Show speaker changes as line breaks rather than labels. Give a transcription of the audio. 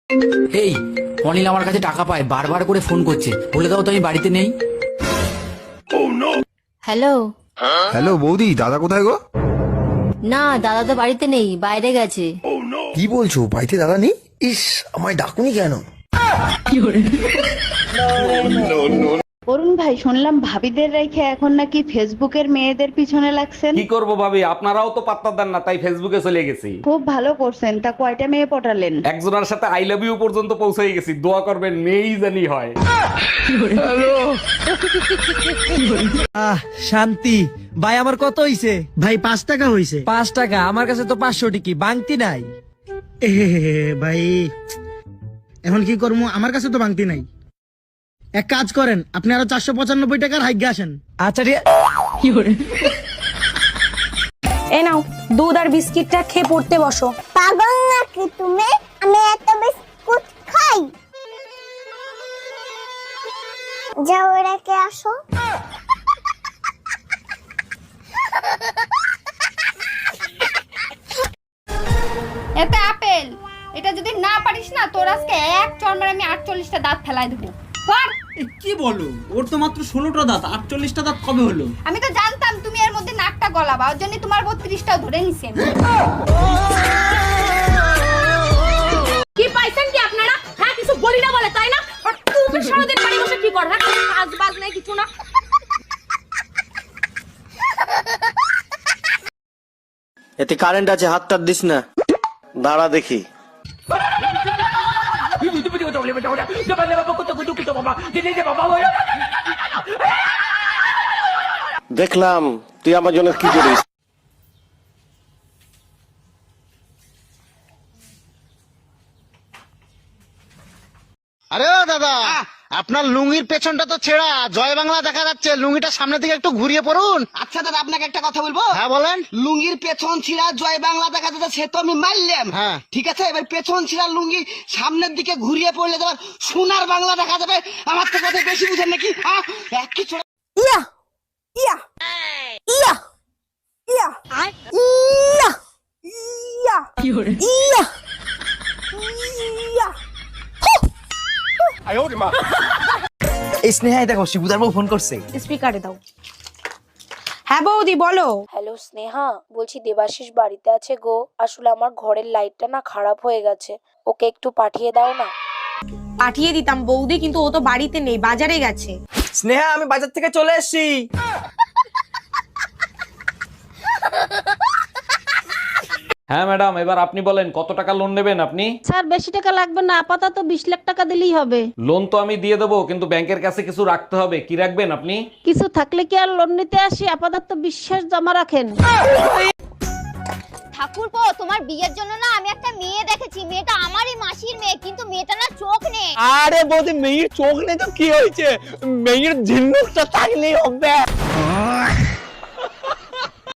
এই অনিল আমার কাছে টাকা পায়, বারবার করে ফোন করছে, বলে দাও তো আমি বাড়িতে নেই।
হ্যালো।
হ্যালো বৌদি, দাদা কোথায় গো?
না, দাদা তো বাড়িতে নেই, বাইরে গেছে।
কি বলছো, বাড়িতে দাদা নেই? ইস, আমায় ডাকুনি কেন?
অরুণ ভাই, শুনলাম ভাবিদের রেখে এখন নাকি ফেসবুকের মেয়েদের পিছনে লাগছেন।
কি করব ভাবি, আপনারাও তো পাত্তা দেন না, তাই ফেসবুকে চলে গেছি।
খুব ভালো করছেন। তা কয়টা মেয়ে পটালেন?
একজনের সাথে আই লাভ ইউ পর্যন্ত পৌঁছে গেছি। দোয়া করবেন মেয়েই জানি হয়।
শান্তি ভাই, আমার কত হইছে ভাই? 5 টাকা হইছে। 5 টাকা? আমার কাছে তো 500 টিকি বাংতি নাই।
ভাই এখন কি করবো, আমার কাছে তো বাংতি নাই। এক কাজ করেন, আপনি আরো 495 টাকার হাইগে আসেন।
আচ্ছা
এ নাও দুধ আর বিস্কিটটা খেয়ে পড়তে বসো।
পাগল নাকি তুমি? আমি এত বিস্কুট খাই? যাও রেখে আসো।
এটা আপেল, এটা যদি না পারিস না তোর আজকে এক চড় আমি 48টা দাঁত ফেলাই দেবো।
কি বলো, ওর তো মাত্র 16টা দাঁত, 48টা দাঁত কবে হলো?
আমি তো জানতাম তুমি এর মধ্যে নাকটা গলাবা, ওর জন্য তোমার 32টাও ধরে নিছেন।
কি পাইছেন কি আপনারা? হ্যাঁ, কিছু বলি না বলে তাই না? আর তুমি সারাদিন বাড়ি বসে কি কর? হ্যাঁ, কাজ বাজ নাই কিছু না।
এতে কারেন্ট আছে, হাতটা দিস না, দাঁড়া দেখি। দেখলাম তুই আমার জন্য কি করিস।
আরে দাদা, আপনার লুঙ্গির পেছনটা তো ছেঁড়া, জয় বাংলা দেখা যাচ্ছে। লুঙ্গিটা সামনে দিকে একটু ঘুরিয়ে পড়ুন।
আচ্ছা দাদা, আপনাকে একটা কথা বলবো?
হ্যাঁ বলেন।
লুঙ্গির পেছন ছিঁড়া জয় বাংলা দেখা যাচ্ছে, সে তো আমি মারলাম।
হ্যাঁ
ঠিক আছে, এবার পেছন ছিঁড়া লুঙ্গি সামনের দিকে ঘুরিয়ে পড়লে তোমার সোনার বাংলা দেখা যাবে। আমার তো কথা বেশি বুঝেন নাকি? এক কিছু
ইয়া ইয়া ইয়া ইয়া ইয়া ইয়া ইয়া ইয়া।
এই স্নেহাই দেখো, শিবুদার বউ ফোন করছে।
স্পিকারে দাও। হ্যাঁ বৌদি বলো।
হ্যালো স্নেহা, বলছি দেবাশিস বাড়িতে আছে গো। আসলে আমার ঘরের লাইটটা না খারাপ হয়ে গেছে, ওকে একটু পাঠিয়ে দাও না।
পাঠিয়ে দিতাম বৌদি, কিন্তু ও তো বাড়িতে নেই, বাজারে গেছে।
স্নেহা, আমি বাজার থেকে চলে এসেছি।
হ্যাঁ ম্যাডাম, এবার আপনি বলেন কত টাকা লোন নেবেন আপনি?
স্যার বেশি টাকা লাগবে না, আপাতত 20 লাখ টাকা দিলেই হবে।
লোন তো আমি দিয়ে দেবো, কিন্তু ব্যাংকের কাছে কিছু রাখতে হবে। কি রাখবেন আপনি?
কিছু থাকলে কি আর লোন নিতে আসি, আপাতত বিশ্বাস জমা রাখেন।
ঠাকুরপো, তোমার বিয়ের জন্য না আমি একটা মেয়ে দেখেছি। মেয়েটা আমারই মাসির মেয়ে, কিন্তু মেয়েটা না চোখ নেই।
আরে বৌদি, মেয়ের চোখ নেই তো কি হয়েছে? মেয়ের ঝিনুকটা থাকলেই হবে।